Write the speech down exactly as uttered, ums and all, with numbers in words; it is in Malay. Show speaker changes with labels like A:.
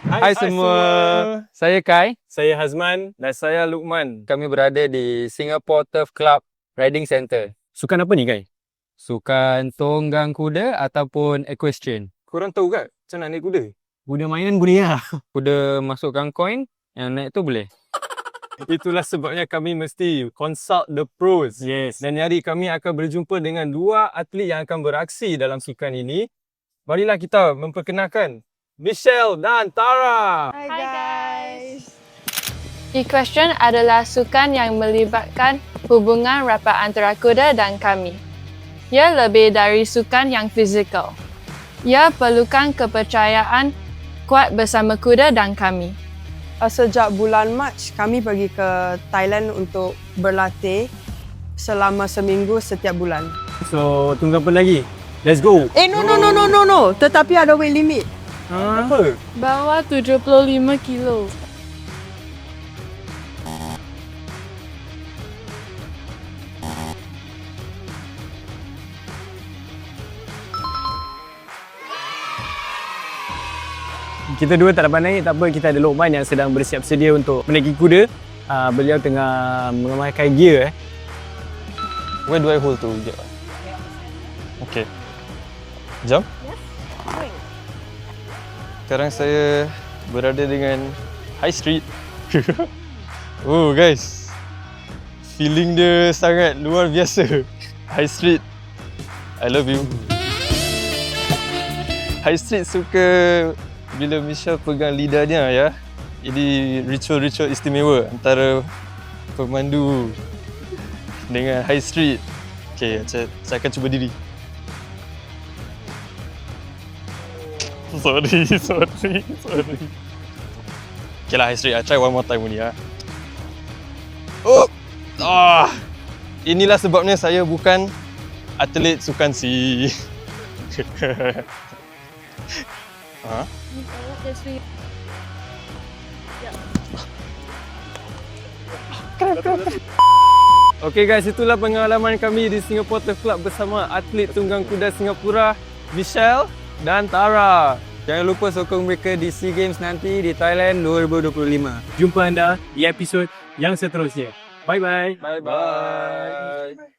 A: Hai, Hai semua. semua, saya Kai.
B: Saya Hazman.
A: Dan saya Luqman. Kami berada di Singapore Turf Club Riding Centre.
B: Sukan apa ni, Kai?
A: Sukan tunggang kuda ataupun equestrian.
B: Korang tahu tak macam nak naik kuda? Kuda mainan boleh lah.
A: Kuda masukkan koin, yang naik tu boleh.
B: Itulah sebabnya kami mesti consult the pros.
A: Yes.
B: Dan hari kami akan berjumpa dengan dua atlet yang akan beraksi dalam sukan ini. Marilah kita memperkenalkan Michelle dan Tara.
C: Hi guys. Equestrian adalah sukan yang melibatkan hubungan rapat antara kuda dan kami. Ia lebih dari sukan yang fizikal. Ia perlukan kepercayaan kuat bersama kuda dan kami.
D: Sejak bulan Mac, kami pergi ke Thailand untuk berlatih selama seminggu setiap bulan.
B: So, tunggu apa lagi? Let's go!
D: Eh, no, no, no, no, no, no. Tetapi ada weight limit.
B: Ha? Apa?
C: Bawa tujuh puluh lima kilo.
B: Kita dua tak dapat naik, tak apa, kita ada Luqman yang sedang bersiap sedia untuk menaiki kuda. Uh, beliau tengah memakai gear eh.
A: Where do I hold to? Okay. Jump. Sekarang saya berada dengan High Street. Oh guys, feeling dia sangat luar biasa. High Street, I love you. High Street suka bila Michelle pegang lidahnya ya. Ini ritual-ritual istimewa antara pemandu dengan High Street. Okay, saya, saya akan cuba diri. Sorry, sorry, sorry. Okay lah, High Street, I try one more time only ya. Oh, ah, inilah sebabnya saya bukan atlet sukan si. Ha?
B: Okay guys, itulah pengalaman kami di Singapore Turf Club bersama atlet tunggang kuda Singapura, Michelle dan Tara.
A: Jangan lupa sokong mereka di SEA Games nanti di Thailand dua ribu dua puluh lima.
B: Jumpa anda di episod yang seterusnya. Bye-bye.
A: Bye-bye.